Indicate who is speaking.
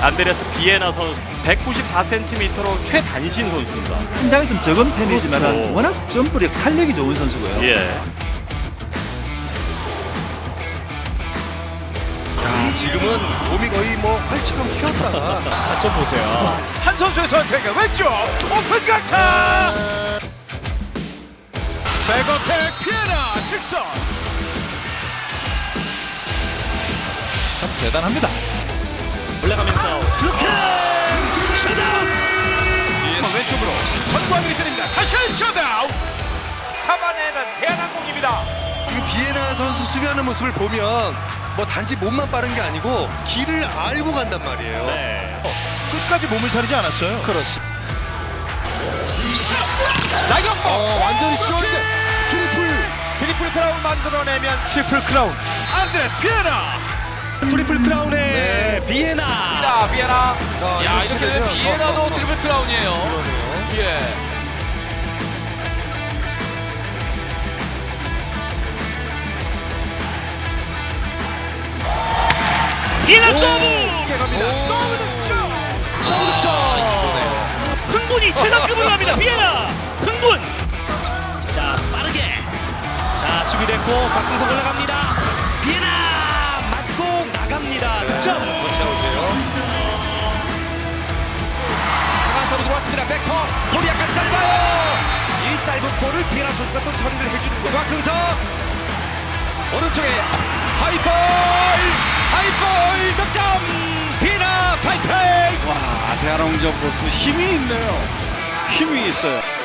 Speaker 1: 안드레스 비에나 선수 194cm로 최단신 선수입니다.
Speaker 2: 신장이 좀 적은 편이지만
Speaker 1: 그렇죠.
Speaker 2: 워낙 점프력 탄력이 좋은 선수고요.
Speaker 1: 예.
Speaker 3: 지금은 몸이 거의 뭐 활처럼 휘었다가
Speaker 1: 좀 보세요.
Speaker 4: 한 선수의 선택은 왼쪽 오픈 강타. 백어택 피에나 직선.
Speaker 2: 참 대단합니다.
Speaker 1: 올라가면서
Speaker 4: 그렇게 셧다운. 왼쪽으로 전광이 드립니다. 다시 한 셧다운. 잡아내는 대한항공입니다.
Speaker 3: 지금 비에나 선수 수비하는 모습을 보면 뭐 단지 몸만 빠른 게 아니고 길을 알고 간단 말이에요.
Speaker 1: 네.
Speaker 4: 끝까지 몸을 사리지 않았어요.
Speaker 3: 그렇습니다.
Speaker 4: 나경범
Speaker 3: 완전히 시원한데
Speaker 4: 트리플 크라운 만들어내면 트리플 크라운 안드레스 비에나. 트리플 크라운의 비에나.
Speaker 5: 자, 비에나. 야,
Speaker 3: 이렇게
Speaker 5: 이렇게 되면
Speaker 3: 되면
Speaker 5: 비에나도 트리플 크라운이에요. 예.
Speaker 6: 비에나 서브!
Speaker 4: 이렇게 갑니다. 서브 득점.
Speaker 6: 서브 득점! 흥분이 최상급으로 갑니다. 비에나! 흥분! 자, 빠르게. 자, 수비됐고 박승석 올라갑니다. 비에나! 맞고 나갑니다. 득점! 강한 서브 들어왔습니다. 백커스. 볼이 약간 짧아요. 이 짧은 볼을 비에나 선수가 또 처리를 해주는 거. 박승석! 오른쪽에 하이볼! 하이볼 득점! 비에나 파이프레이!
Speaker 4: 와, 대한항공 보스 힘이 있네요. 힘이 있어요.